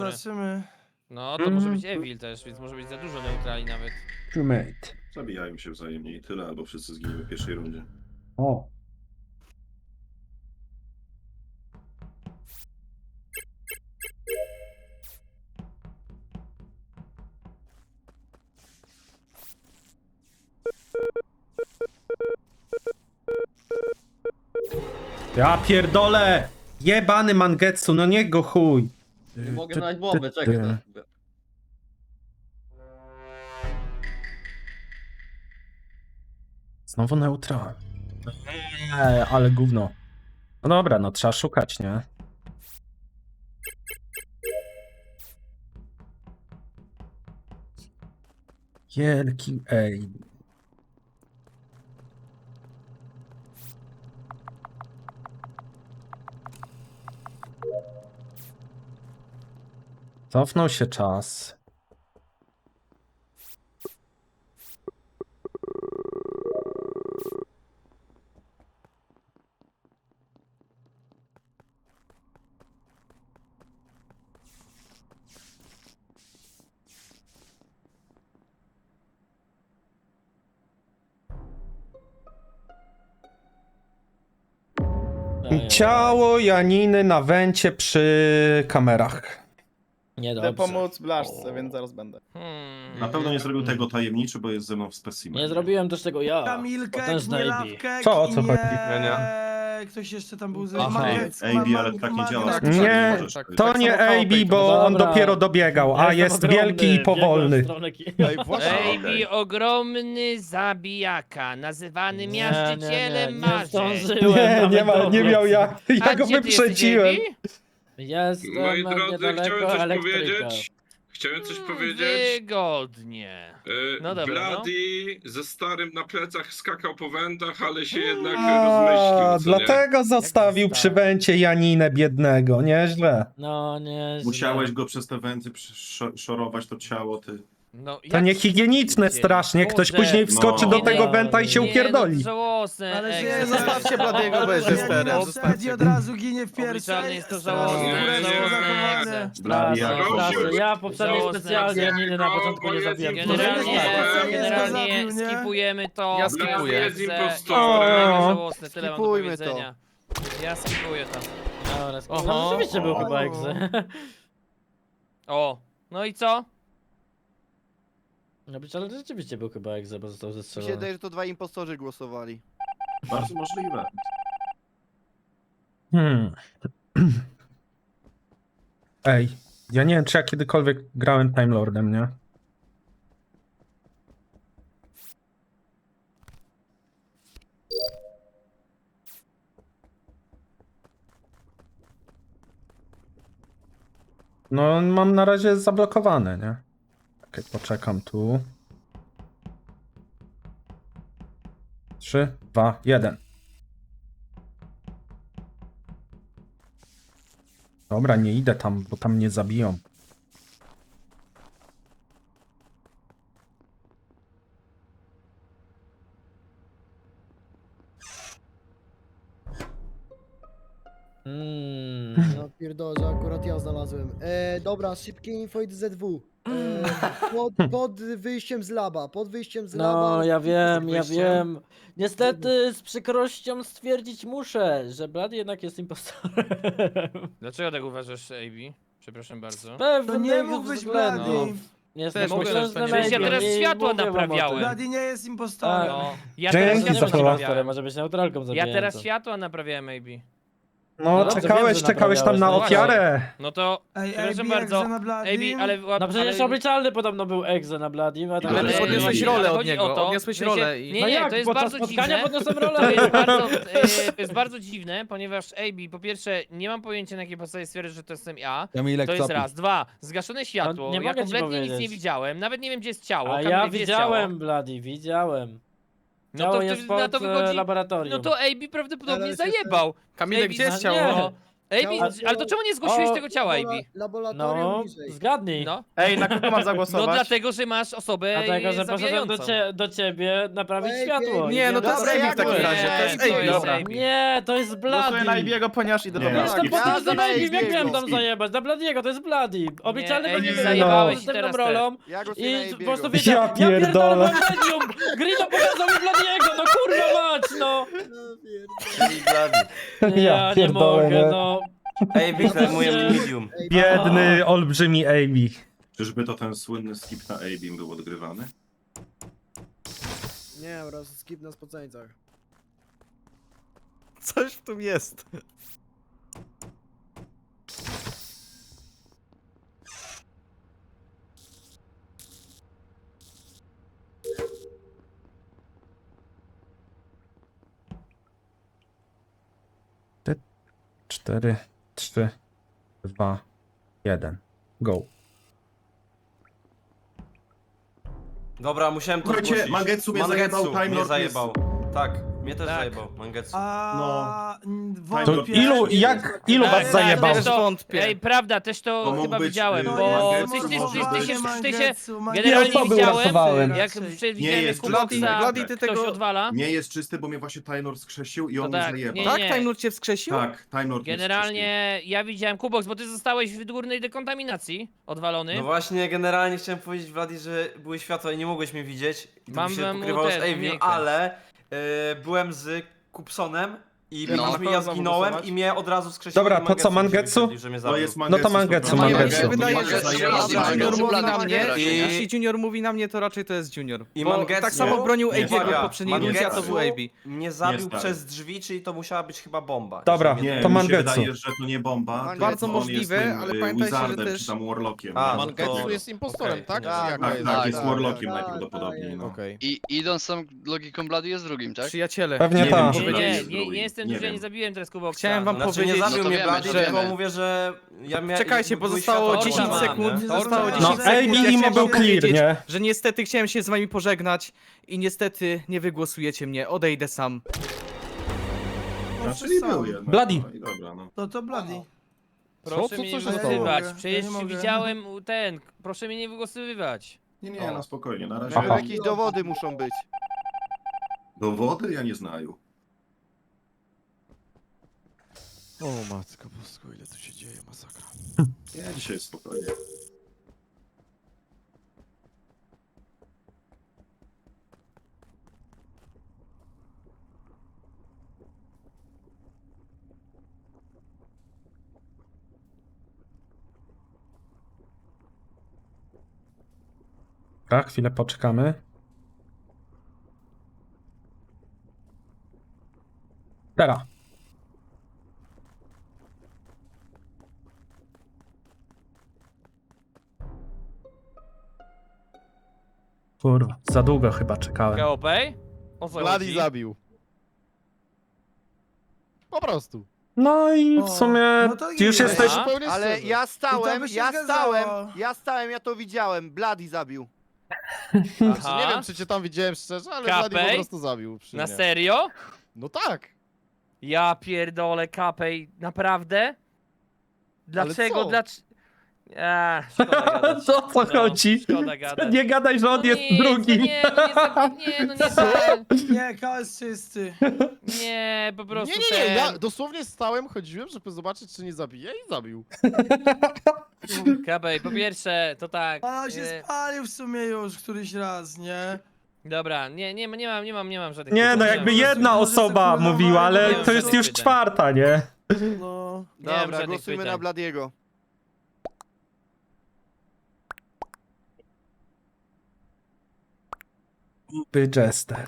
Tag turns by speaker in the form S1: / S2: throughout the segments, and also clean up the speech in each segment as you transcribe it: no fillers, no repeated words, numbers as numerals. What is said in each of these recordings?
S1: Zobaczymy.
S2: No, to może być Evil też, więc może być za dużo neutrali nawet.
S3: Crewmate.
S4: Zabijają się wzajemnie i tyle, albo wszyscy zginiemy w pierwszej rundzie.
S3: O. Ja pierdolę! Jebany Mangetsu, no nie go chuj!
S5: Nie mogę znaleźć bombę, czekaj.
S3: Znowu neutral. Ale gówno. No dobra, no trzeba szukać, nie? Wielki ej. Cofnął się czas. Ciało Janiny na węcie przy kamerach.
S6: Nie
S1: Chcę
S6: dobrze.
S1: pomóc Blaszce, więc zaraz będę.
S4: Na pewno nie zrobił tego tajemniczy, bo jest ze mną w specimenie.
S6: Nie zrobiłem też tego ja.
S1: Kamilkek,
S6: Potężny
S1: nie
S6: AB.
S1: Lawkek
S3: Co, o
S1: i
S3: co
S1: nie...
S3: chodzi?
S1: Ktoś jeszcze tam był z
S6: Aha.
S1: Magnet.
S4: AB, ale tak nie działa.
S1: Magnet.
S3: Nie,
S4: Możesz
S3: to
S4: powiedzieć.
S3: nie AB, bo on
S6: Dobra.
S3: dopiero dobiegał, a jest wielki i powolny.
S1: Ej, właśnie.
S2: Baby, ogromny zabijaka, nazywany miażdżycielem
S6: nie
S2: marzeń.
S6: zdążyłem
S3: Nie,
S6: nawet
S3: nie ma, nie
S6: dobiec.
S3: miał jak.
S2: A
S3: Ja go
S2: gdzie ty jesteś,
S3: wyprzedziłem.
S2: AB?
S6: Jestem
S7: Moi drodzy,
S6: niedaleko
S7: chciałem coś
S6: elektryka.
S7: powiedzieć. Chciałem coś powiedzieć.
S2: Wygodnie. No dobra,
S7: Bloody ze starym na plecach skakał po wędach, ale się jednak
S3: A,
S7: rozmyślił. co nie?
S3: dlatego zostawił
S6: Jak
S3: przy węcie Janinę biednego, nieźle.
S6: No nie.
S4: Musiałeś go przez te węty szorować to ciało, ty.
S2: No,
S3: To
S2: jak
S3: niehigieniczne
S2: się
S3: strasznie, ktoś
S2: Boże.
S3: później wskoczy
S4: No.
S3: do tego
S6: Nie,
S3: węta i się
S6: nie,
S3: upierdoli.
S2: No, żałosne.
S1: Ale
S2: ej,
S1: że
S2: to
S1: zostawcie Bladiego, bo jest
S2: Boże,
S1: jesterem.
S2: jak
S1: Zostawcie od razu ginie w
S2: Obliczalnie
S1: pierwszej.
S2: jest to
S1: Strasznie
S2: żałosne,
S1: wreszcie
S7: żałosne
S1: zachowane.
S2: egze.
S4: Blady
S6: Straszne,
S4: jak
S7: Proszę.
S6: straszne. Ja poprzedniej
S2: Żałosne
S6: specjalnie
S2: jak
S6: Janiny na początku nie zabiłem.
S2: Generalnie,
S1: Tak,
S2: generalnie
S1: zabił, nie?
S2: skipujemy to.
S7: Ja
S2: Blady
S7: skipuję.
S2: jest
S7: Jest
S2: mega
S7: impostorem.
S2: żałosne, tyle mam do
S1: Skipujmy to.
S2: powiedzenia. Ja skipuję to.
S6: Dobra,
S2: Oho.
S6: no, rzeczywiście był
S1: O.
S6: chyba egzy.
S2: O, no i co?
S6: No być, ale rzeczywiście był chyba egzy, bo został
S8: Mi się
S6: zestrzelony.
S8: wydaje, że to dwaj impostorzy głosowali.
S4: Bardzo możliwe.
S3: Ej, ja nie wiem, czy ja kiedykolwiek grałem Time Lordem, nie? No, mam na razie zablokowane, nie? Okej, poczekam tu. 3, 2, 1. Dobra, nie idę tam, bo tam mnie zabiją.
S9: No pierdolę, że akurat ja znalazłem. Dobra, szybkie info od ZW. Pod wyjściem z laba, pod wyjściem z laba.
S6: No, ja wiem, ja
S1: wyjściem.
S6: wiem. Niestety z przykrością stwierdzić muszę, że Blady jednak jest impostorem.
S2: Dlaczego tak uważasz, AB? Przepraszam bardzo.
S6: Pewnie
S1: To nie mógł być Blady.
S6: Jestem
S2: Mogę,
S6: potężnym
S2: przecież ja
S6: medium
S2: teraz
S6: i
S2: światła
S6: mówię wam o tym.
S2: naprawiałem.
S1: Blady nie jest impostorem.
S2: No, ja
S3: Dzięki
S2: teraz
S6: Nie
S3: za
S2: światła
S6: być
S3: słowa.
S6: impostorem,
S2: naprawiałem.
S6: może być neutralką
S2: Ja
S6: zabijającą.
S2: teraz światła naprawiałem, AB.
S3: No,
S6: dobrze,
S3: czekałeś,
S6: wiem, że
S3: czekałeś tam na
S6: naprawiałeś,
S3: ofiarę.
S2: No to,
S1: Ej,
S2: przepraszam
S1: AB,
S2: bardzo,
S1: jak na Bladim?
S2: AB, ale...
S6: No przecież
S2: ale-
S6: obliczalny podobno był egze na Bladim, a tak
S4: Ale
S2: Ale
S4: podniosłeś
S2: nie,
S4: rolę
S2: ale
S4: od
S2: chodzi
S7: niego,
S2: o to,
S7: odniosłeś
S2: w sensie-
S7: rolę i-
S2: Nie,
S6: No
S2: nie,
S6: jak,
S2: to jest
S6: podczas
S2: bardzo
S6: spotkania
S2: dziwne.
S6: podniosłem
S2: To
S6: rolę.
S2: jest bardzo dziwne, ponieważ AB, po pierwsze, nie mam pojęcia, na jakiej podstawie stwierdzić, że to jestem ja.
S8: Kamilek,
S2: To jest raz. Dwa, zgaszone światło.
S6: nie
S2: Ja
S6: mogę ci
S2: kompletnie nic
S6: powiedzieć.
S2: nie widziałem. Nawet nie wiem, gdzie jest ciało.
S6: A
S2: Kamil,
S6: ja
S2: gdzie jest ciało?
S6: widziałem Bloody, widziałem.
S2: No
S6: Ciało
S2: to,
S6: jest
S2: na
S6: pod
S2: to wychodzi.
S6: laboratorium.
S2: No to AB prawdopodobnie
S9: Ale się-
S2: zajebał.
S7: Kamilek,
S2: AB
S7: gdzie jest
S6: No
S7: ciało?
S6: nie.
S2: AB, ale to czemu nie zgłosiłeś
S6: O,
S2: tego ciała, AB?
S9: Laboratorium
S6: No,
S9: niżej.
S6: zgadnij.
S2: No.
S10: Ej, na kogo mam
S2: No
S10: zagłosować?
S2: dlatego, że masz osobę
S6: Dlatego, że poszedłem
S2: zabijającą.
S6: do ciebie naprawić
S9: Ej,
S6: światło.
S9: ej,
S10: Nie, no to jest
S9: Dobra,
S10: Amy w
S9: jak
S10: takim
S9: to
S10: razie. To jest
S2: jest?
S10: Amy, dobra.
S2: Amy.
S6: Nie, to jest
S10: Głosuję na
S6: Bloody.
S10: Ibiego, ponieważ idę do
S4: Nie.
S6: Jestem
S10: Bloody.
S6: po tym
S9: Ja
S6: za
S9: na
S6: Baby, jak
S9: Ibiego.
S6: miałem tam zajebać? Na Bladiego, to jest Bloody. Obliczalny
S2: Nie,
S6: będzie
S2: Amy, zajebałeś i
S6: następną
S2: teraz
S6: rolą.
S8: Ja głosuję na
S6: I po
S8: Ibiego.
S6: prostu wiecie,
S3: Ja pierdolę.
S6: mam medium! Grino pokazał mi Bladiego, no kurwa mać, no!
S5: Czyli Bloody.
S6: Ja nie
S3: pierdolę,
S6: mogę,
S3: nie.
S6: no.
S5: Ej, Wiktor, moje medium.
S9: Ej,
S3: Biedny, olbrzymi Amy.
S4: Czyżby to ten słynny skip na AB był odgrywany?
S9: Nie, po prostu skip na spoceńcach.
S10: Coś w tym jest.
S3: Cztery, 3, 2, 1. Go.
S5: Dobra, musiałem to
S4: Słuchajcie,
S5: zgłosić.
S4: Mangetsu mnie zajebał, Time
S5: mnie
S4: Lord
S5: zajebał. Tak, mnie też
S2: Tak.
S5: zajebał, Mangetsu.
S1: A
S3: To
S1: wątpię.
S3: ilu
S2: Tak,
S3: was
S2: tak,
S3: zajebał?
S2: też to,
S10: Wątpię.
S2: Ej, prawda, też to
S4: To mógł
S2: chyba
S4: być,
S2: widziałem,
S4: to
S2: bo
S4: jest
S2: ty się
S1: Mangetsu,
S2: generalnie
S3: osoby
S2: widziałem,
S3: uratowałem.
S2: jak
S1: Raczej.
S2: przewidziałem,
S4: Nie
S2: jak
S4: jest
S2: Kuboksa
S10: Bloody, ty
S2: ktoś
S10: tego...
S2: odwala.
S4: Nie jest czysty, bo mnie właśnie Time Lord skrzesił i
S2: To
S4: on mnie
S2: tak,
S4: zajebał.
S2: nie,
S10: Tak?
S2: nie.
S10: Time Lord cię wskrzesił?
S4: Tak, Time Lord mnie
S2: Generalnie ja widziałem Kubox, bo ty zostałeś w górnej dekontaminacji odwalony.
S5: No właśnie, generalnie chciałem powiedzieć Vladi, że były światła i nie mogłeś mnie widzieć. I to
S2: Mam
S5: mi się
S2: wam
S5: pokrywało z
S2: ten,
S5: Avim,
S2: umiejkę.
S5: ale byłem z Kupsonem i
S10: No.
S5: byliśmy,
S10: Na
S5: ja
S10: kogo
S5: zginąłem
S10: zagłosować?
S5: i mnie od razu skrzesił.
S3: Dobra,
S5: i
S3: to
S5: Mangetsu
S3: co,
S5: mi się
S3: Mangetsu?
S5: wyświetlił, że mnie
S4: To
S5: zabił.
S4: jest
S3: No to Mangetsu,
S10: No,
S3: Mangetsu.
S10: mi się wydaje,
S4: Mangetsu
S10: że
S4: zajebał.
S10: jeśli Junior mówi na mnie,
S5: I-
S10: jeśli Junior mówi na mnie, to raczej to jest Junior.
S5: I
S10: Bo
S5: Mangetsu-
S10: tak samo bronił
S4: Nie,
S10: AB'ego w
S4: uwaga,
S10: poprzedniej rundzie, a to był AB.
S5: Mnie zabił
S4: Nie, stary.
S5: przez drzwi, czyli to musiała być chyba bomba.
S3: Dobra,
S5: Jeśli mnie-
S4: Nie,
S3: to
S4: mi się
S3: Mangetsu.
S4: wydaje, że to nie bomba, tylko
S10: Bardzo
S4: on
S10: możliwe,
S4: jest tym,
S10: ale pamiętajcie, że
S4: Wizardem,
S10: też-
S4: czy tam Warlockiem.
S5: A,
S4: no,
S5: no
S4: to-
S5: to-
S11: jest impostorem,
S5: okej,
S11: tak?
S5: to
S11: Czy
S5: nie-
S11: jak
S4: Tak,
S11: to jest?
S4: tak, jest
S9: tak,
S4: Warlockiem
S9: tak,
S4: najprawdopodobniej.
S9: tak,
S4: No.
S11: Okej. I idąc sam logiką Blady jest drugim, tak?
S10: Przyjaciele.
S3: Pewnie
S4: Nie
S3: tak.
S4: wiem,
S2: Nie,
S4: czy
S2: nie,
S4: będzie
S2: nie,
S4: zdrój.
S2: nie jestem
S4: Nie
S2: duży, ja
S4: wiem.
S2: nie zabiłem teraz Kuboksa.
S10: Chciałem wam
S5: Znaczy
S10: powiedzieć,
S5: nie zabił
S11: No to
S5: mnie
S11: wiemy,
S5: Blady,
S11: to
S5: tylko
S11: wiemy.
S5: mówię, że ja miałem...
S10: Czekajcie, bo
S5: były
S10: zostało
S5: światła
S10: 10
S5: odpalone,
S10: sekund.
S5: nie?
S10: Zostało
S2: No,
S10: 10
S3: No,
S10: sekund.
S3: AB
S10: Ja
S3: Limo
S10: chciałem
S3: był
S10: wam
S3: clear,
S10: powiedzieć,
S3: nie?
S10: że niestety chciałem się z wami pożegnać i niestety nie wygłosujecie mnie. Odejdę sam.
S4: Czyli był jednak.
S3: Bloody.
S4: No i dobra, no.
S1: To Bloody.
S2: Proszę
S11: Co
S2: mnie nie
S11: się stało?
S2: wygłosowywać,
S1: Ja
S2: przecież
S1: nie mogę.
S2: widziałem proszę mnie nie wygłosowywać.
S4: Nie, no spokojnie, na razie.
S3: Aha.
S8: Jakieś dowody muszą być.
S4: Dowody ja nie znają.
S11: O matko bosko, ile tu się dzieje, masakra.
S4: Ja dzisiaj jest spokojnie.
S3: Tak, chwilę poczekamy. Teraz. Kurwa, za długo chyba czekałem.
S2: KOP? O co
S11: Blady
S2: chodzi?
S11: zabił. Po prostu.
S3: No i w
S1: O,
S3: sumie
S1: no to
S3: już
S1: jest.
S3: jesteś...
S2: A?
S11: Zupełnie
S8: Ale
S11: szczerze.
S8: ja
S1: I to
S8: stałem,
S1: by się
S8: ja
S1: zgadzało.
S8: stałem, ja to widziałem. Bloody zabił.
S11: Znaczy,
S2: Aha.
S11: nie wiem, czy cię tam widziałem szczerze, ale
S2: Kapej?
S11: Blady po prostu zabił. Przy
S2: Na
S11: mnie.
S2: serio?
S11: No tak.
S2: Ja pierdolę, Kapej, naprawdę? Dlaczego?
S11: co?
S2: Szkoda gadać.
S3: Co co
S2: No,
S3: chodzi?
S2: Szkoda gadać.
S3: Nie gadaj, że on
S2: No
S3: jest
S2: nic,
S3: drugi.
S2: No nie, no nie, no nie,
S1: Nie, KS czysty.
S2: nie, po prostu
S11: Nie,
S2: ten...
S11: ja dosłownie stałem, chodziłem, żeby zobaczyć, czy nie zabije i zabił.
S2: Kapej, po pierwsze, to tak.
S1: A on się spalił w sumie już któryś raz, nie?
S2: Dobra, nie mam żadnych
S3: Nie, no
S2: pytań.
S3: jakby
S2: Nie mam
S3: jedna
S1: Może
S3: osoba
S1: sobie
S3: mówiła, ale
S2: nie mam
S3: to jest
S2: żadnych
S3: już
S2: pytań.
S3: czwarta, nie?
S1: No.
S2: Nie mam
S8: Dobra,
S2: żadnych
S8: głosujmy
S2: pytań.
S8: na Bladiego.
S3: By Jester.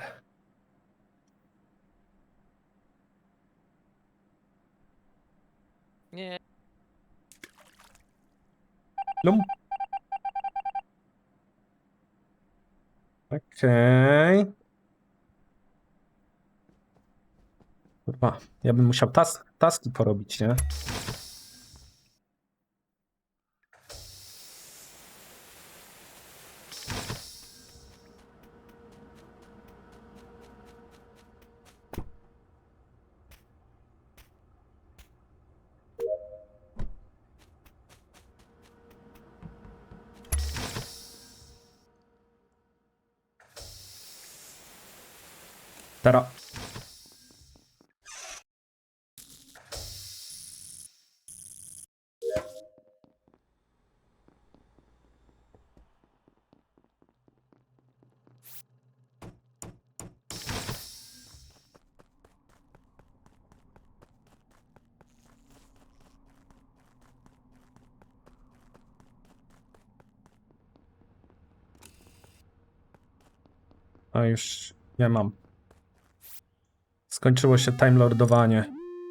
S2: Nie,
S3: Lum. Okej. Kurwa, ja bym musiał taski porobić, nie? Teraz. A już nie mam. Skończyło się Time Lordowanie.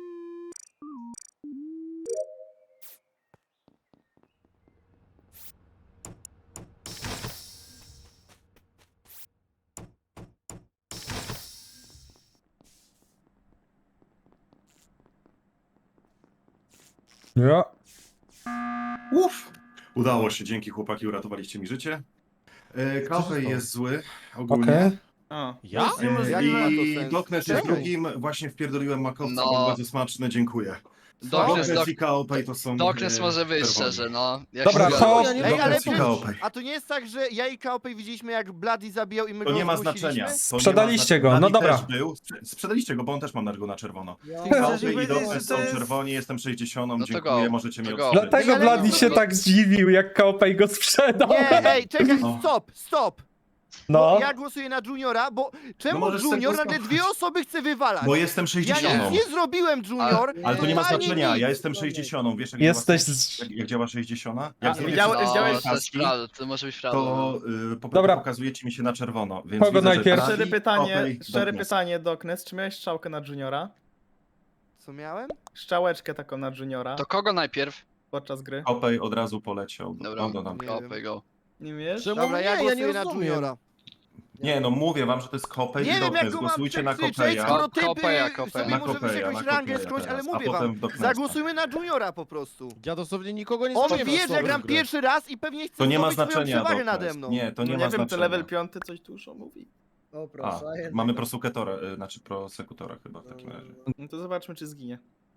S3: Ja.
S4: Uff! Udało się, dzięki chłopaki, uratowaliście mi życie. Kaufej jest zły, ogólnie.
S3: Okej.
S10: O.
S11: Ja?
S8: Jak ma to
S4: I
S8: sens?
S4: Doknes jest
S8: Czemu?
S4: drugim, właśnie wpierdoliłem makowca,
S12: No.
S4: był bardzo smaczny, dziękuję. Doknes i Kaopej to są...
S12: Doknes może być
S4: czerwoni.
S12: szczerze, no. Jak
S3: Dobra,
S12: się
S3: to-
S12: zgadza.
S8: Ej, ale
S4: Doknes i
S8: przecież,
S4: Kaopej.
S8: a to nie jest tak, że ja i Kaopej widzieliśmy jak Bloody zabijał i my
S4: To
S8: go
S4: nie ma
S8: zgłosiliśmy?
S4: znaczenia. To nie ma
S3: Sprzedaliście go,
S4: znaczenia.
S3: no
S4: Dawid
S3: dobra.
S4: też był. Sprzedaliście go, bo on też ma go na czerwono.
S9: Ja...
S1: Ty chcesz mi
S4: Kaopej i
S1: powiedzieć, że
S4: Doknes
S1: to
S4: są
S1: jest...
S4: czerwoni, jestem 60,
S12: No to
S4: dziękuję,
S12: go.
S4: możecie mnie
S12: To go.
S4: odstrzyć.
S3: Dlatego
S8: ale
S3: Bloody
S8: no,
S3: się
S12: no-
S3: tak zdziwił, jak Kaopej go sprzedał.
S8: Nie, ej, czekaj,
S4: No.
S8: stop!
S3: No.
S8: Bo ja głosuję na Juniora, bo czemu
S4: możesz sobie
S8: Junior nagle
S4: głosować.
S8: 2 osoby chce wywalać?
S4: Bo jestem
S8: Ja
S4: 60.
S8: nic nie zrobiłem, Junior!
S4: Ale to nie ma
S8: Totalnie
S4: znaczenia,
S8: nic.
S4: ja jestem 60, wiesz jak
S3: Jesteś
S4: działa,
S3: z...
S4: jak działa 60?
S10: A,
S4: Jak zrobię
S10: widziałeś-
S4: wszystkie
S10: widziałeś-
S12: To jest
S4: taski,
S12: prawda, to może być prawda.
S4: to
S3: Dobra.
S4: pokazujecie mi się na czerwono, więc
S3: Kogo
S4: widzę, że
S3: najpierw?
S4: Dawid,
S10: Szczere pytanie,
S4: Kaopej,
S10: szczere
S4: Doknes.
S10: pytanie, Doknes, czy miałeś strzałkę na Juniora?
S8: Co miałem?
S10: Strzałeczkę taką na Juniora
S12: To kogo najpierw?
S10: podczas gry?
S4: Kaopej od razu poleciał.
S12: Dobra.
S4: No,
S8: Nie
S12: Kopy
S8: wiem.
S12: go.
S10: Nie wiesz?
S11: Czemu
S8: Dobra,
S11: nie?
S8: ja
S11: Ja nie
S8: głosuję na
S11: rozumiem.
S8: Juniora.
S4: Nie, no mówię wam, że to jest Kaopej
S8: Nie
S4: i
S8: wiem jak
S4: Doknes,
S8: go mam
S4: głosujcie na
S8: przekrzyczeć,
S4: Kopeja.
S8: skoro ty
S12: Kopeja,
S8: by
S12: Kopeja.
S8: sobie
S4: Na
S8: może
S4: Kopeja,
S8: jakąś
S4: na
S8: rangę
S4: Kopeja
S8: skądś, ale
S4: teraz, a
S8: mówię
S4: potem
S8: wam,
S4: w Doknesa.
S8: zagłosujmy na Juniora po prostu.
S11: Ja dosłownie nikogo nie
S8: On
S11: znam
S8: wie, że ja gram pierwszy raz i pewnie chce
S4: To nie ma
S8: zdobyć swoją
S4: znaczenia,
S8: przewagę
S4: Doknes.
S8: nade mną.
S4: Nie, to
S10: No
S4: nie
S10: nie
S4: ma
S10: wiem,
S4: znaczenia.
S10: to level 5 coś dużo mówi.
S9: O
S4: A,
S9: proszę, a jednak-
S4: mamy prosekutora, znaczy prosekutora chyba w takim razie.
S10: No to zobaczmy, czy zginie.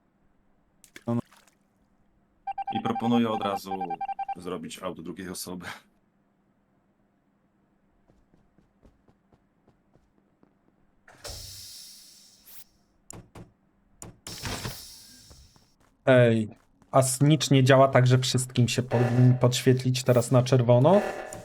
S4: I proponuję od razu zrobić aut drugiej osoby.
S3: Ej, a snitch nie działa tak, że wszystkim się powinni podświetlić teraz na czerwono?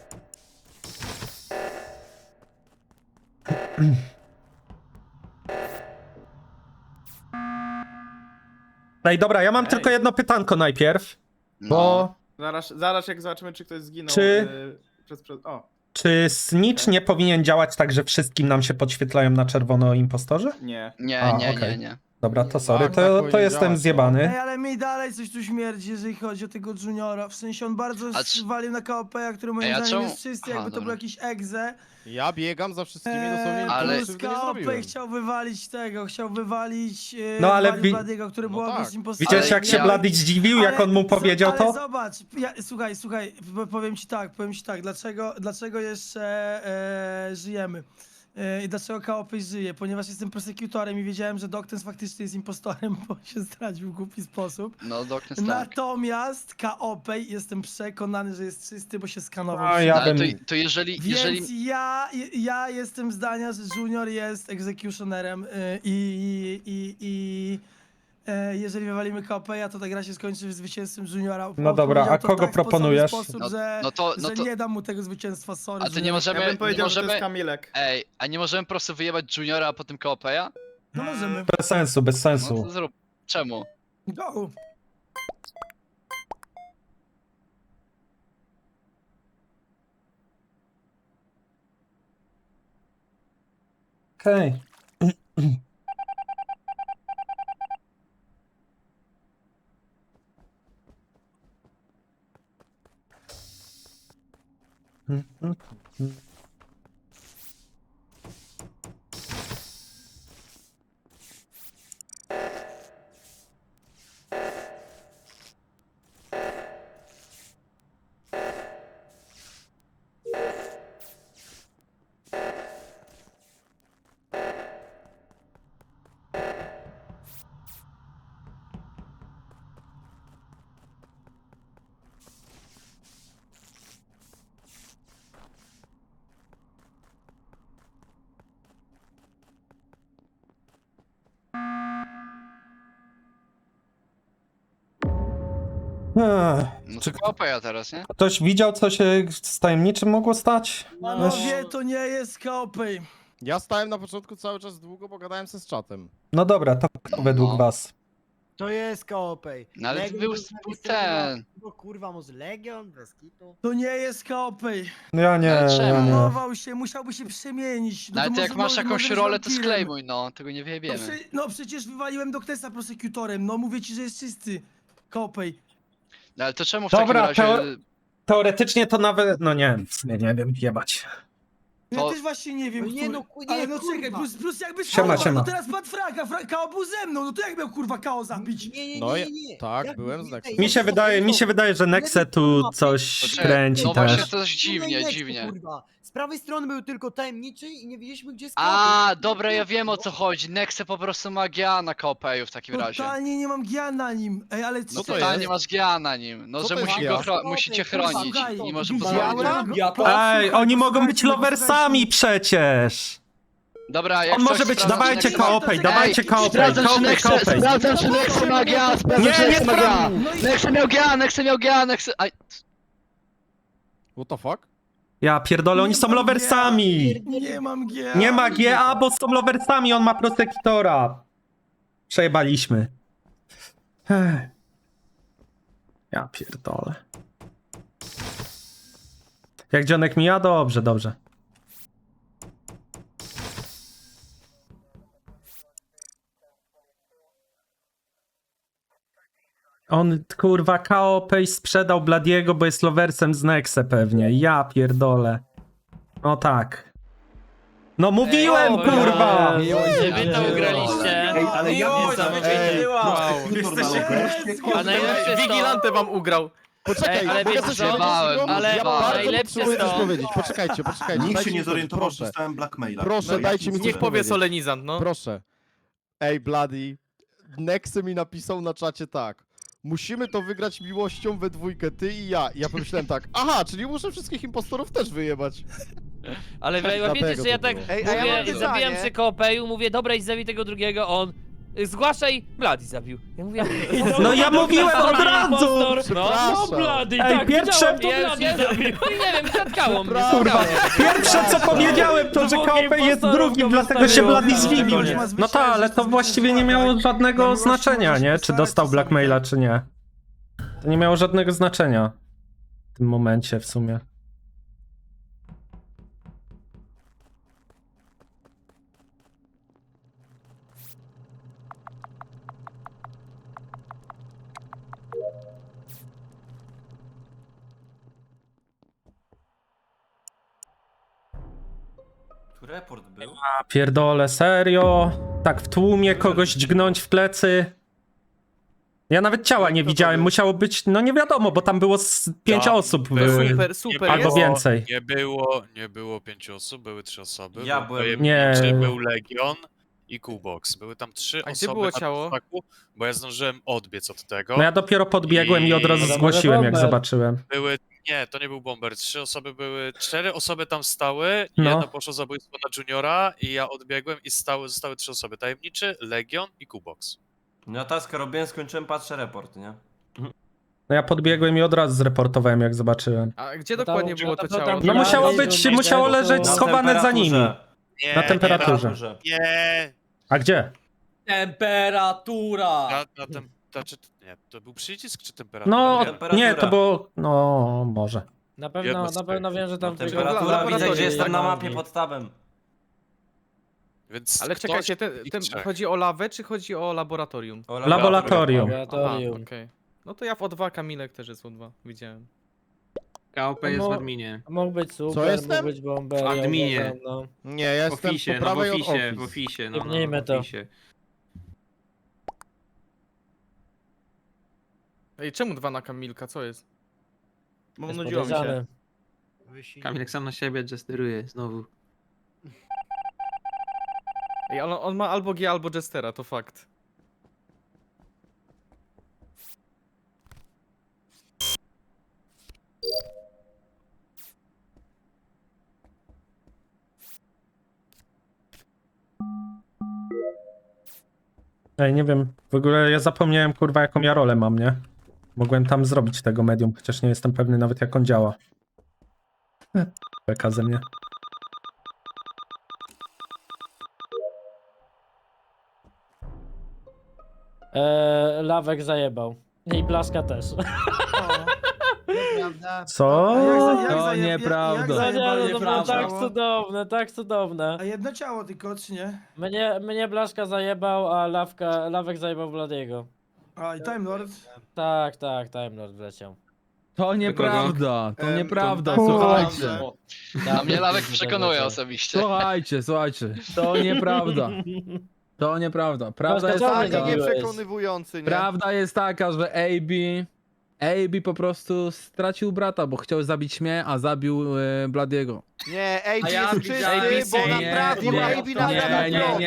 S3: Ej, dobra, ja mam
S10: Ej.
S3: tylko jedno pytanko najpierw,
S12: No.
S3: bo
S10: Zaraz jak zobaczymy, czy ktoś zginął.
S3: Czy-
S10: O,
S3: czy snitch nie powinien działać tak, że wszystkim nam się podświetlają na czerwono impostorzy?
S10: nie.
S12: Nie,
S3: A,
S12: nie,
S3: okej.
S12: nie.
S3: Dobra, to sorry,
S11: Tak, tak
S3: to
S11: powinien
S3: jestem
S11: działać, no.
S3: zjebany.
S1: Ej, ale mi dalej coś tu śmierdzi, jeżeli chodzi o tego Juniora. W sensie on bardzo
S12: A czy-
S1: walił na KOP, który moim
S12: Ej, a
S1: zdaniem
S12: czemu-
S1: jest czysty,
S12: Aha,
S1: jakby to
S12: dobra.
S1: był jakiś egze.
S11: Ja biegam za wszystkimi dosłownie
S12: ale-
S11: nic
S1: Plus
S11: krzywdy nie
S1: KOP
S11: zrobiłem.
S1: chciał wywalić tego, chciał wywalić
S3: No, ale
S1: wywalił
S3: wi-
S1: Bladiego, który
S11: No
S1: był
S11: tak.
S1: obecnie impostorem.
S3: Widziałeś, jak się
S12: ja-
S3: Bloody zdziwił, jak on mu powiedział
S1: ale
S3: to?
S1: zobacz, słuchaj, powiem ci tak, dlaczego jeszcze żyjemy. I dlaczego Kaopej żyje? Ponieważ jestem prosekutorem i wiedziałem, że Doknes faktycznie jest impostorem, bo się zdradził w głupi sposób.
S12: No, Doknes tak.
S1: Natomiast Kaopej jestem przekonany, że jest czysty, bo się skanował.
S3: A,
S1: wszędzie.
S3: ja
S12: Ale
S3: bym...
S12: to jeżeli...
S1: Więc ja jestem zdania, że Junior jest executionerem jeżeli wywalimy Kaopeja, to ta gra się skończy zwycięstwem Juniora.
S3: No dobra,
S1: Powiedział
S3: a
S1: to
S3: kogo
S1: tak w sposoby
S3: proponujesz?
S1: Sposób,
S12: No-
S1: że,
S12: no to-
S1: że nie dam mu tego zwycięstwa, sorry.
S12: A to nie
S1: Junior.
S12: możemy...
S10: Ja bym
S12: nie
S10: powiedział, że to
S12: możemy...
S10: jest Kamilek.
S12: Ej, a nie możemy po prostu wyjebać Juniora, a potem Kaopeja?
S1: No możemy.
S3: Bez sensu, bez
S12: No
S3: sensu.
S12: to zrób. Czemu?
S1: Go.
S3: Okej.
S12: No
S3: Czy
S12: to KOPeja teraz, nie?
S3: ktoś widział, co się z tajemniczym mogło stać?
S1: Panowie, to nie jest KOP.
S11: Ja stałem na początku cały czas długo, bo gadałem se z czatem.
S3: No dobra, to kto według
S12: No.
S3: was?
S9: To jest KOP.
S12: No ale
S9: Legion
S12: był
S9: z drugiej
S12: ten.
S9: No kurwa, może Legion? Bez kitu.
S1: To nie jest KOP.
S3: Ja nie,
S12: Ale czemu?
S3: ja nie.
S1: Zanował się, musiałby się przemienić.
S12: No ale
S1: to
S12: ty jak
S1: może-
S12: masz
S1: może
S12: jakąś
S1: być
S12: rolę, to
S1: wampirem.
S12: sklejmuj, no. Tego nie
S1: No,
S12: wyjebiemy.
S1: no przecież wywaliłem Doktesa prosekutorem, no mówię ci, że jest czysty. KOP.
S12: No ale to czemu w
S3: Dobra,
S12: takim razie...
S3: Teoretycznie to nawet, no nie, w sumie nie wiem, jebać.
S1: Ja
S12: To-
S1: też właśnie nie wiem,
S9: No nie,
S1: który-
S9: no, nie,
S1: ale no
S9: kurwa.
S1: czekaj, plus jakby
S3: Siema,
S1: KO,
S3: siema.
S1: no teraz padł fraga, KO był ze mną, no to jak miał kurwa KO zabić?
S9: Nie,
S11: No ja-
S9: nie.
S11: tak,
S9: Jak
S11: byłem z
S9: nie,
S11: Nexem.
S9: nie,
S3: Mi się wydaje, że Nexe tu coś
S12: Poczekaj,
S3: kręci
S12: no właśnie
S3: też.
S12: to jest dziwnie,
S9: Nexy,
S12: dziwnie.
S9: Kurwa. Z prawej strony był tylko tajemniczy i nie wiedzieliśmy, gdzie jest KOP.
S12: A, dobra, ja wiem o co chodzi. Nexe po prostu ma GA na KOPeju w takim razie.
S1: Totalnie nie mam gia na nim. Ej, ale
S12: No
S11: Co to
S1: czekaj,
S12: totalnie
S11: jest?
S12: masz GA na nim. No,
S11: Co
S12: że
S11: to jest
S12: musi
S11: GA?
S12: musicie
S9: Kurwa,
S12: chronić
S1: słuchaj,
S12: i może
S1: widziałem-
S12: pozwolić.
S3: Ej, oni mogą być loversami przecież!
S12: Dobra, jak
S3: On może
S12: coś
S3: być,
S12: sprawdzam,
S3: dawajcie
S12: czy Nexe ma-
S3: KOP, dawajcie KOP,
S12: Sprawdzam, czy
S3: KOP,
S12: Nexe,
S3: KOP.
S12: sprawdzam, czy Nexe ma GA, sprawdzam,
S3: Nie,
S12: czy
S3: nie
S12: Nexe ma GA.
S3: sprawdzam.
S1: No i-
S12: Nexe miał GA, Nexe miał GA, Nexe... Aj,
S11: What the fuck?
S3: Ja pierdolę, oni
S1: Nie
S3: są
S1: mam
S3: loversami!
S1: Nie mam gia.
S3: Nie ma GA, bo są loversami, on ma prosekutora. Przejebaliśmy. Ech. Ja pierdolę. Jak dzionek mija? Dobrze, dobrze. On, kurwa, KOP sprzedał Bladiego, bo jest loversem z Nexe pewnie. Ja pierdolę. No tak. No mówiłem,
S2: o,
S3: kurwa!
S2: Że wy to ugraliście.
S4: Ej, ale ja
S2: Niesamowite. A najlepsze jest to...
S10: Wigilantę wam ugrał.
S11: Poczekaj,
S2: Ej, ale
S11: mogę
S2: wiecie
S11: coś
S2: co?
S11: powiedzieć?
S2: Ale
S11: ja bardzo
S2: najlepsze
S11: potrzebuję
S2: jest
S11: coś
S2: to-
S11: powiedzieć. Poczekajcie.
S4: Nikt
S11: dajcie
S4: się
S11: mi
S4: nie
S11: coś,
S4: zorientował, że
S11: proszę.
S4: dostałem blackmaila.
S11: Proszę,
S4: No,
S11: dajcie mi coś
S10: Niech powie
S11: powiedzieć.
S10: solenizant, no.
S11: Proszę. Ej, Bloody, Nexy mi napisał na czacie tak. Musimy to wygrać miłością we dwójkę, ty i ja. I ja pomyślałem tak, aha, czyli muszę wszystkich impostorów też wyjebać.
S2: Ale wiecie,
S11: Dlatego
S2: że ja
S11: to
S2: tak
S11: było.
S8: Ej, a ja mam
S2: mówię,
S8: pytanie.
S2: zabijam przy kopeju, mówię, dobra, idź zabij tego drugiego, on... Zgłaszaj, Blady zabił. Ja mówię,
S3: No ja mówiłem od razu!
S2: No,
S11: Przepraszam.
S2: Blady,
S3: Ej,
S2: tak,
S3: pierwsze-
S2: widziałem, to Blady zabił. Nie wiem, zatkało mnie,
S3: Kurwa,
S2: zatkało.
S3: pierwsze co powiedziałem to, że
S2: Dwóch
S3: KOP jest
S2: impostorów
S3: drugim,
S2: go
S3: dlatego się
S2: wystawiło.
S3: Bloody
S2: Tak,
S3: zwibił.
S1: tak.
S3: No tak, ale to właściwie nie miało żadnego znaczenia, nie? Czy dostał blackmaila, czy nie. To nie miało żadnego znaczenia w tym momencie w sumie.
S5: Tu report był.
S3: A pierdolę, serio? Tak w tłumie kogoś dźgnąć w plecy? Ja nawet ciała nie widziałem, musiało być, no nie wiadomo, bo tam było z 5 osób. Były.
S10: Super
S3: Albo
S10: jest.
S3: więcej.
S7: Nie było 5 osób, były 3 osoby.
S5: Ja
S7: Był
S5: byłem.
S7: Tajemniczy,
S3: Nie.
S7: Był Legion i Kubox. Były tam 3
S10: A gdzie
S7: osoby
S10: było
S7: na
S10: ciało?
S7: ptaku, bo ja zdążyłem odbiec od tego.
S3: No ja dopiero podbiegłem i od razu
S6: I-
S3: zgłosiłem, jak
S6: Bomber.
S3: zobaczyłem.
S7: Nie, to nie był bomber. 4 osoby tam stały,
S3: No.
S7: jedno poszło zabójstwo na Juniora i ja odbiegłem i zostały 3 osoby. Tajemniczy, Legion i Kubox.
S5: No ja taskę robiłem, skończyłem, patrzę report, nie?
S3: No ja podbiegłem i od razu zreportowałem, jak zobaczyłem.
S10: A gdzie
S6: No
S10: dokładnie
S6: tam-
S10: było to
S6: to tam-
S10: ciało?
S3: No
S6: Ja
S3: musiało
S6: nie
S3: być,
S6: wiem,
S3: musiało
S6: to-
S3: leżeć
S6: Na
S3: schowane za nimi.
S7: Nie,
S3: Na temperaturze.
S7: Nie,
S3: A gdzie?
S6: Temperatura!
S7: nie, to był przycisk czy temperatura?
S3: No,
S7: Nie.
S5: Temperatura.
S3: nie, to było, no może.
S6: Na
S7: Jedno z
S6: pewno wiem, że tam...
S5: No, temperatura, widzę, gdzie jestem na mapie
S6: pod...
S5: pod tabem.
S7: Więc
S10: Ale
S7: ktoś
S10: czekajcie,
S7: z nich trzech.
S10: chodzi o lawę, czy chodzi o laboratorium?
S5: O,
S3: Laboratorium.
S10: Aha, okej. No to ja w O2, Kamilek też jest O2, widziałem.
S6: KOP jest w adminie. Mógł być super,
S11: Co jestem?
S6: mógł być bomber.
S2: W adminie.
S6: No.
S11: Nie, ja jestem po prawej od office.
S6: oficie, Jebnijmy to.
S10: Ej, czemu 2 na Kamilka, co jest? Bo
S6: Jest
S10: nudziło mi się.
S6: podejrzany.
S9: Kamilek
S6: sam na siebie jesteruje znowu.
S10: Ej, ale on ma albo G, albo Jestera, to fakt.
S3: Ej, nie wiem, w ogóle ja zapomniałem, kurwa, jaką ja rolę mam, nie? Mogłem tam zrobić tego medium, chociaż nie jestem pewny nawet jak on działa. Beka ze mnie.
S6: Lawek zajebał. I Blaszka też.
S9: Nieprawda.
S3: Co?
S1: To nieprawda.
S6: To było tak cudowne, tak cudowne.
S1: A jedno ciało tylko, czy nie?
S6: Mnie Blaszka zajebał, a Lawek zajebał Bladiego.
S1: A, i Time Lord.
S6: Tak, Time Lord wleciał.
S10: To nieprawda, to nieprawda,
S4: to-
S10: słuchajcie.
S12: A mnie Lawek przekonuje osobiście.
S10: Słuchajcie, to nieprawda. To nieprawda. Prawda jest
S6: Blaszka,
S8: Taki
S6: czemu
S10: taka,
S6: nie zabiłeś?
S8: nieprzekonywujący, nie?
S10: prawda jest taka, że AB po prostu stracił brata, bo chciał zabić mnie, a zabił Bladiego.
S8: Nie, AB
S10: A ja
S8: jest
S10: widziałem-
S8: czysty, bo naprawił, AB naprawił prąd.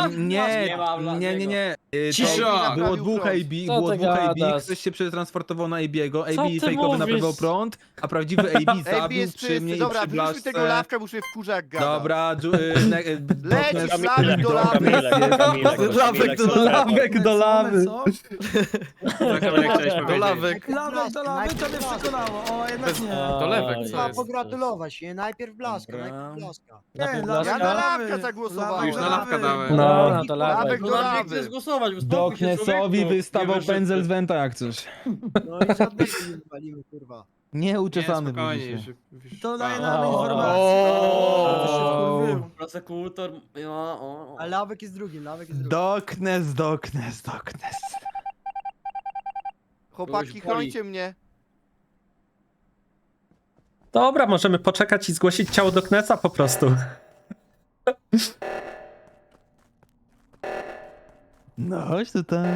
S10: Nie.
S8: Cisza!
S10: Było dwóch
S8: Naprawił
S10: AB,
S6: Co
S10: było
S6: ty
S10: dwóch AB,
S6: gadasz?
S10: ktoś się przetransportował na AB'ego,
S6: Co
S10: AB
S6: ty
S10: fejkowy
S6: mówisz?
S10: naprawiał prąd, a prawdziwy AB
S8: AB
S10: zabił
S8: jest
S10: przy
S8: czysty,
S10: mnie i
S8: dobra,
S10: przy
S8: wyrzućmy
S10: Blaszce.
S8: tego Lawka, bo już się wkurza jak gada.
S10: Dobra,
S8: Leć, Flawek do lawy.
S3: Lawek do lawy.
S1: Co?
S10: Do lawek.
S1: Lawek do lawy, to mnie przekonało. O, jednak nie.
S10: To lewek, co
S9: Trzeba
S10: jest?
S9: pogratulować, nie? Najpierw Blaszka,
S10: Dobra.
S9: najpierw Blaszka.
S1: Nie,
S6: Najpierw
S1: Lawek
S8: Ja
S1: do
S8: na
S1: lawy.
S8: Lawka zagłosowałem.
S1: Lawek do lawy.
S3: No.
S6: Dobra, to
S8: Lawek
S6: Lawek.
S8: do lawy.
S10: Doknesowi wystawał pędzel z Wenta jak coś.
S9: No i żadnego nie walimy, kurwa.
S10: Nieuczesany był dzisiaj.
S1: To daje nam
S6: O.
S1: informację.
S10: O.
S1: To się wkurwił.
S6: Prosekutor.
S9: A Lawek jest drugi, Lawek jest drugi.
S10: Doknes.
S8: Chłopaki, chrońcie mnie.
S3: Dobra, możemy poczekać i zgłosić ciało do Knesa po prostu.
S10: No chodź tutaj.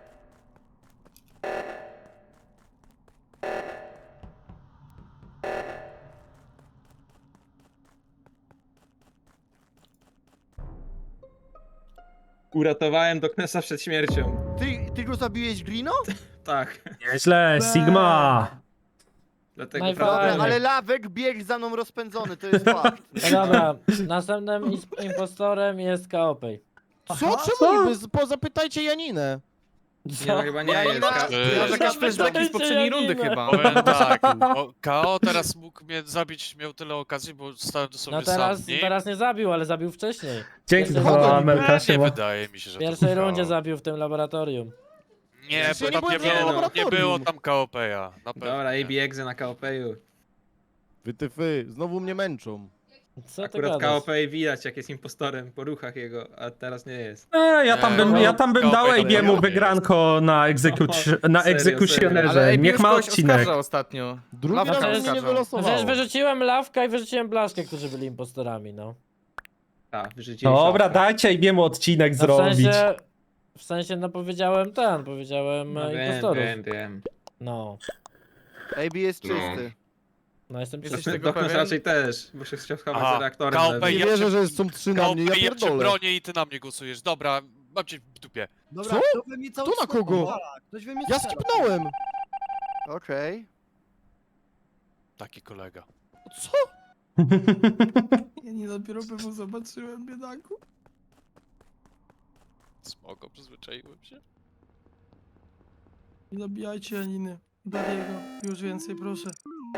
S5: Uratowałem Doknesa przed śmiercią.
S8: Ty go zabiłeś, Grino?
S5: Tak.
S3: Nieźle, Sigma.
S10: Dlatego
S6: Najfajniej.
S8: Dobra, ale Lawek biegł za mną rozpędzony, to jest fakt.
S6: No dobra, następnym impostorem jest Kaopej.
S11: Co? Czemu niby? Zapytajcie Janinę.
S6: Co?
S10: chyba
S8: nie jest.
S10: Może jakieś flashbacki z poprzedniej rundy chyba.
S7: Powiem tak, KO teraz mógł mnie zabić, miał tyle okazji, bo stałem dosłownie
S6: No teraz,
S7: sam w nim.
S6: teraz nie zabił, ale zabił wcześniej.
S3: Dzięki
S6: Pierwszej
S3: za
S6: rundzie-
S3: Amelka,
S7: Nie
S3: siema.
S7: wydaje mi się, że
S6: W pierwszej
S7: to
S6: rundzie
S7: KO.
S6: zabił w tym laboratorium.
S7: Nie,
S11: Ja
S7: bo
S11: nie
S7: tam
S11: byłem w
S7: nie
S11: laboratorium.
S7: było tam KOP-a. Na pewno.
S5: Dobra, AB egzy na KOP-u.
S11: Wy, znowu mnie męczą.
S6: Co ty
S5: Akurat
S6: gadasz?
S5: KOP widać jak jest impostorem po ruchach jego, a teraz nie jest.
S3: Ja tam bym dał
S7: Kaopej
S3: AB'emu
S7: nie
S3: wygranko na
S5: Serio,
S3: egzekucjonerze. Niech ma odcinek.
S10: ostatnio.
S11: Drugi
S10: Lawka
S11: raz mnie nie
S10: oskarżał.
S11: wylosowało.
S6: Przecież wyrzuciłem Lawka i wyrzuciłem Blaszkę, którzy byli impostorami, no.
S5: Tak, wyrzucili
S3: Dobra,
S5: szafę.
S3: dajcie AB'emu odcinek
S6: No
S3: zrobić.
S6: w sensie, no powiedziałem powiedziałem
S5: No
S6: impostorów.
S5: wiem.
S6: No,
S8: AB jest czysty.
S6: no jestem
S10: Jesteś
S6: przecież...
S10: tego
S5: Doknes
S10: pewien?
S5: raczej też, bo się chciał schować
S7: Aha,
S5: za reaktorem.
S7: KOP
S11: Nie
S7: ja
S11: wierzę,
S7: cię-
S11: że są 3 na mnie, ja
S7: KOP, ja cię
S11: pierdolę.
S7: bronię i ty na mnie głosujesz. Dobra, mam cię w dupie.
S9: Dobra,
S11: Co?
S9: kto we mnie cały
S11: Tu na
S9: czas
S11: kogo?
S9: nawala? Ktoś we mnie
S11: Ja
S9: strzela.
S11: skipnąłem.
S8: Okej.
S7: Taki kolega.
S11: Co?
S1: Ja nie dopiero pewno zobaczyłem, biedaku.
S7: Spoko, przyzwyczaiłem się.
S1: Nie zabijajcie Janiny. Dariego. Już więcej, proszę.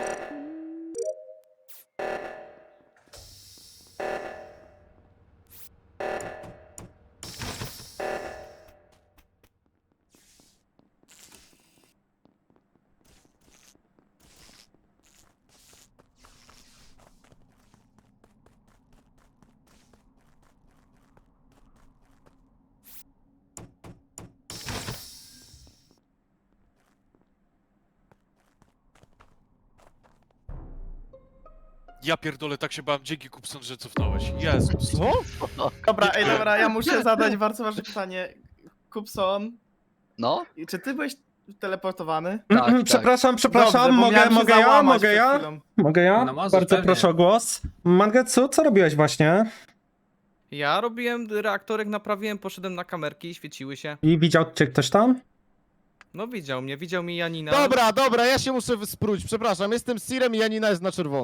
S7: Ja pierdolę, tak się bałem, dzięki Kupson, że cofnąłeś. Jezus.
S11: Co?
S10: Dobra, ja muszę zadać bardzo ważne pytanie. Kupson,
S12: No?
S10: czy ty byłeś teleportowany?
S12: Tak.
S3: Przepraszam,
S10: Dobrze, bo miałem się
S3: mogę
S10: załamać przed
S3: ja?
S10: chwilą.
S3: Mogę ja?
S5: No możesz,
S3: Bardzo
S5: pewnie.
S3: proszę o głos. Mangetsu, co robiłeś właśnie?
S10: Ja robiłem reaktorek, naprawiłem, poszedłem na kamerki, świeciły się.
S3: I widział cię ktoś tam?
S10: No widział mnie Janina.
S11: Dobra, ja się muszę spróć, przepraszam, jestem Sirem i Janina jest na czerwono.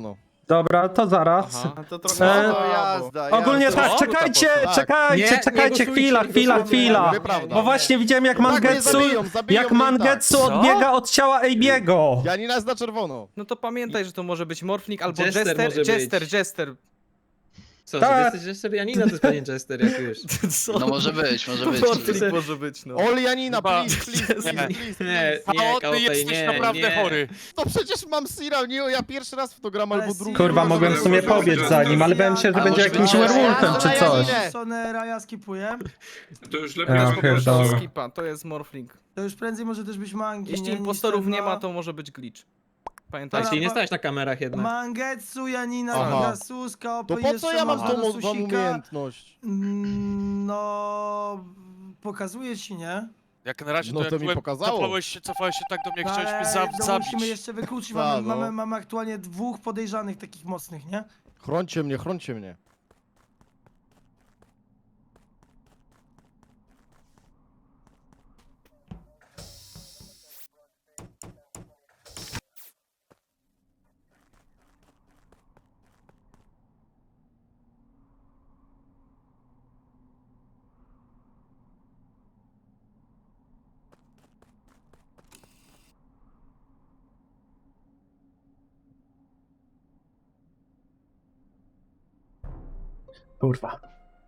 S3: Dobra, to zaraz.
S10: Aha.
S8: To
S3: E,
S8: trochę jazda.
S3: Ogólnie tak,
S10: Co?
S3: czekajcie,
S11: Tak.
S3: czekajcie, chwila.
S11: Nieprawda.
S3: Bo właśnie widziałem jak Mangetsu,
S11: zabiją mnie i tak.
S3: Mangetsu odbiega od ciała AB'ego.
S11: Janina jest na czerwono.
S10: No to pamiętaj, że to może być Morphling albo
S13: Jester może być.
S10: Jester.
S13: Co,
S3: Tak.
S13: że jesteś Jester? Janina to jest pewnie Jester, jak już.
S10: Co?
S12: No może być.
S10: Morphling może być, no.
S11: Ol Janina,
S7: Chyba-
S11: please.
S13: Nie,
S7: A
S13: nie,
S7: ty
S13: Kaopej,
S7: jesteś
S13: nie,
S7: naprawdę
S13: nie.
S7: chory.
S11: To przecież mam Sira, nie, ja pierwszy raz w to gram
S1: Ale
S11: albo drugi.
S3: Kurwa, mogłem w sumie pobiec za nim, ale bałem się, że
S12: A
S3: będzie
S12: może
S3: jakimś
S12: być-
S3: werewolfem czy coś.
S1: Sonera, ja skipuję.
S4: To już
S3: Ja pierdolę.
S10: Skipa, to jest Morphling.
S1: To już prędzej może też być Mangi.
S10: Jeśli
S1: nie, niż
S10: impostorów
S1: ten,
S10: nie
S1: no.
S10: ma, to może być glitch.
S13: A
S10: Pamiętajcie.
S13: jeśli nie stałeś na kamerach jednak.
S1: Mangetsu, Janina,
S11: Aha.
S1: Pegasus, Kaopy,
S11: To po co
S1: jeszcze
S11: ja mam
S1: można
S11: tą
S1: Susika.
S11: umiejętność?
S1: No... Pokazuje ci, nie?
S7: Jak na razie
S11: No
S7: jak
S11: to mi
S7: byłem,
S11: pokazało.
S7: cofałeś się tak do mnie, chciałeś mnie
S1: Ale no,
S7: zabić.
S1: musimy jeszcze wykluczyć,
S11: Tak, no.
S1: mamy aktualnie 2 podejrzanych takich mocnych, nie?
S11: Chrońcie mnie.
S3: Kurwa.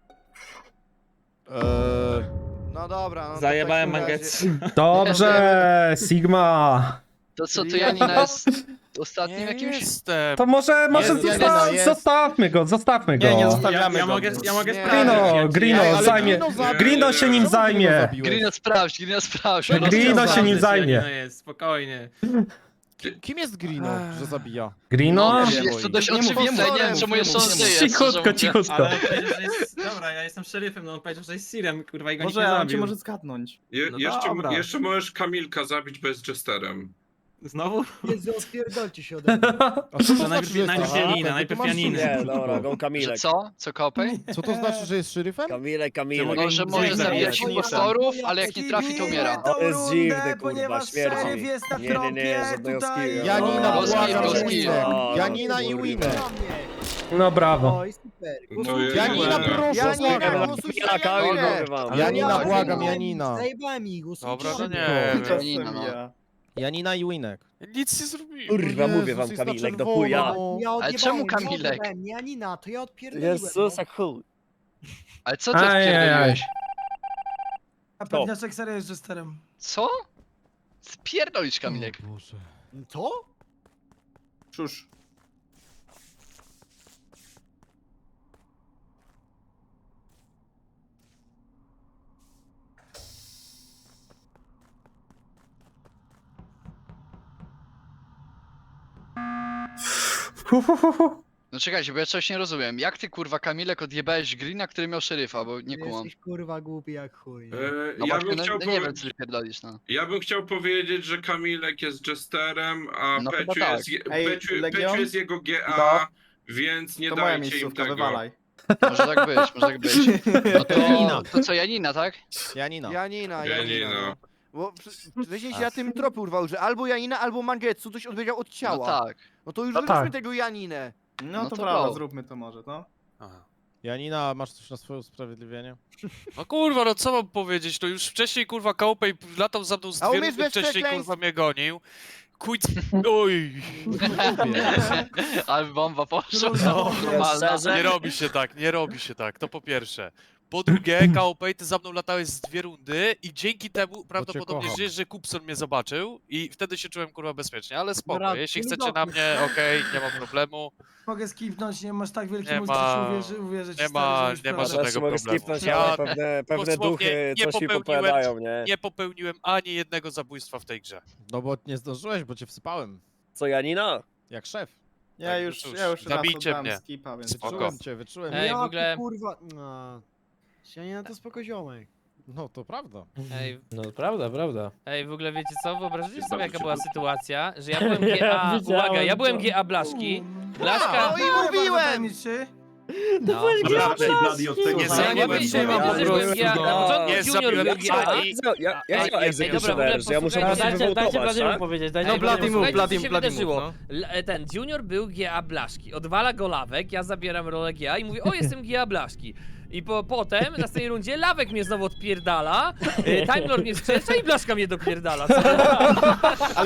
S8: No dobra. No
S13: Zajebałem
S8: to w takim
S13: Mangetsu.
S8: razie-
S3: Dobrze, Sigma.
S12: To co, to Janina jest ostatnim
S7: Nie
S12: jakimś?
S7: jestem.
S3: To może
S11: Jest, Janina, jest.
S3: zostawmy go.
S10: zostawiamy
S13: Ja
S10: go.
S13: mogę
S8: Nie.
S13: sprawdzić.
S3: Grino
S11: Ale
S3: zajmie.
S11: Grino zabił.
S3: Grino się nim
S11: Czemu Grino
S3: zajmie.
S11: zabiłeś?
S12: Grino sprawdź.
S3: Grino się nim zajmie.
S13: Janina jest, spokojnie.
S11: Kim jest Grino, że zabija?
S3: Grino?
S12: No, jest to dość
S10: Nie mów,
S12: oczywiste, nie wiem czemu jest on żyje.
S3: Cichutko.
S13: Ale on powiedział, że jest... Dobra, ja jestem szeryfem, no on powiedział, że jest Sirem, kurwa, i go nikt nie zabił.
S10: zgadnąć.
S13: No dobra.
S4: jeszcze możesz Kamilka zabić bez Jesterem.
S13: Znowu?
S9: Jezu, odpierdolcie się ode mnie.
S11: A co
S13: To najpierw Janina, najpierw Janina.
S12: Że
S14: Kamilek.
S12: co Kopej?
S11: Co to znaczy, że jest szeryfem?
S14: Kamilek.
S12: No, że może zabijać impostorów, ale jak nie trafi, to umiera.
S14: To jest
S1: Rundę,
S14: dziwne, kurwa,
S1: ponieważ
S14: śmierdzi.
S1: szeryf jest na
S14: Nie, nie, nie,
S1: tropie,
S14: żadnego
S1: tutaj...
S14: skilla.
S11: Janina,
S12: Goski,
S11: błagam,
S12: goski.
S11: Winek.
S14: O,
S11: Janina i
S14: kurwa.
S11: Winek.
S9: Na mnie.
S3: No brawo.
S9: Oj, super.
S11: Janina, proszę,
S8: Janina,
S11: błagam.
S8: głosujcie
S14: Ja
S8: na
S14: Kamil
S8: Janinę.
S14: wam.
S11: Janina,
S12: Tak,
S11: błagam,
S12: no.
S11: Janina.
S9: Zajebałem ich, głosujcie
S7: Dobra, no
S9: szybko.
S7: nie wiem.
S12: Janina, no.
S11: Janina i Winek.
S7: Nic nie zrobiłem.
S14: Kurwa, mówię wam,
S11: Jezus, jest na
S14: Kamilek, do
S11: czerwono,
S14: chuja.
S11: no.
S9: Ja
S12: Ale
S9: odjebałem,
S12: czemu
S9: ja
S12: Kamilek?
S9: odjebałem, nie Janina, to ja odpierdoliłem.
S14: Jezus, jak chuj.
S12: Ale co ty
S3: Ajajaj.
S12: odpierdoliłeś?
S1: A pewniaczek serio jest Jesterem.
S12: Co? Spierdolisz, Kamilek.
S11: Boże.
S9: To?
S10: Cóż.
S12: No czekajcie, bo ja coś nie rozumiem. Jak ty, kurwa, Kamilek, odjebałeś Greena, który miał szeryfa, bo nie
S9: Ty
S12: kumam.
S9: jesteś kurwa głupi jak chuj.
S12: No właśnie, no, nie wiem, co ty pierdolisz, no.
S4: Ja bym chciał powiedzieć, że Kamilek jest Jesterem, a
S12: No chyba
S4: Peciu
S12: tak.
S4: jest,
S10: Ej,
S4: Peciu
S10: Legion?
S4: jest jego GA,
S10: No.
S4: więc nie
S10: To moja
S4: dajcie im
S10: miejscówka,
S4: tego.
S10: wywalaj.
S12: Może tak być, może tak być. No to co, Janina, tak?
S11: Janina.
S8: Janina.
S4: Janina.
S8: Bo wcześniej się na tym tropie urwał, że albo Janina, albo Mangetsu coś odbiegał od
S12: No
S8: ciała.
S12: tak.
S8: No to już
S3: No
S8: zróbmy
S3: tak.
S8: tego Janinę.
S10: No
S12: No
S10: to
S12: to
S10: prawda,
S12: go.
S10: zróbmy to może, no.
S7: Aha.
S11: Janina, masz coś na swoje usprawiedliwienie?
S7: No kurwa, no co mam powiedzieć, to już wcześniej kurwa Kaupej latał za mną z
S8: A
S7: dwie
S8: umiesz
S7: rundy
S8: bez
S7: wcześniej
S8: przekleństw?
S7: kurwa mnie gonił. Oj,
S12: Ale bomba poszła.
S1: No,
S12: Normalna.
S7: nie robi się tak, to po pierwsze. Po drugie, Kaupej, ty za mną latałeś z dwie rundy i dzięki temu prawdopodobnie
S11: kocham.
S7: żyjesz, że Kupson mnie zobaczył i wtedy się czułem kurwa bezpiecznie, ale spoko,
S9: Dobra,
S7: jeśli
S9: nie
S7: chcecie na mnie, okej, nie ma problemu.
S1: Mogę skipnąć, nie masz tak wielkiej
S7: Nie
S1: multi,
S7: ma-
S1: że uwierzyć
S7: nie
S1: stary,
S7: ma-
S1: że już
S7: nie ma
S1: prawda.
S7: żadnego
S14: Mogę
S7: problemu.
S14: skipnąć,
S7: Ja
S14: ale pewne
S7: dosłownie
S14: duchy
S7: nie
S14: coś mi
S7: popełniłem-
S14: popowiadają, nie?
S7: Nie popełniłem ani jednego zabójstwa w tej grze.
S11: No bo nie zdążyłeś, bo cię wsypałem.
S14: Co, Janina?
S11: Jak szef.
S10: Ja
S7: Tak,
S10: już,
S7: cóż,
S10: ja już raz
S7: zabijcie
S10: oddałem
S7: mnie.
S10: skipa, więc...
S7: Spoko.
S11: Wyczułem.
S2: Ej, w
S9: Jaki
S2: ogóle-
S9: kurwa... No. Janina to spoko ziomek.
S11: No to prawda.
S2: Ej,
S10: No prawda.
S2: ej, w ogóle wiecie co? Wyobraźcie
S4: Jest
S2: sobie
S4: bardzo
S2: jaka była
S4: szybko.
S2: sytuacja, że ja byłem GA, uwaga, ja byłem GA Blaszki, Blaszka...
S8: No i mówiłem!
S1: Tajemniczy.
S6: To byłeś
S4: Dobra,
S6: GA
S4: raczej Bloody od tego
S7: Nie
S2: Ja nie
S7: zabiłem
S2: wytrzymam
S7: go.
S2: po prostu.
S14: Nie
S2: Na początku
S7: Nie
S2: Junior
S7: zabiłem
S2: był GA.
S14: Ja
S2: Ej,
S14: chciałem egzekucjoner, że ja muszę
S2: dobra,
S14: po prostu
S6: Dajcie
S14: wywołtować,
S6: Bladiemu
S14: tak?
S6: powiedzieć, dajcie
S2: No,
S6: Bladiemu
S2: Bloody
S6: powiedzieć.
S2: move, Bloody wydarzyło. Ten Junior był GA Blaszki. Odwala go Lawek, ja zabieram rolę GA i mówię, o jestem GA Blaszki. I potem, na tej rundzie, Lawek mnie znowu odpierdala, Time Lord mnie skrzesza i Blaszka mnie dopierdala.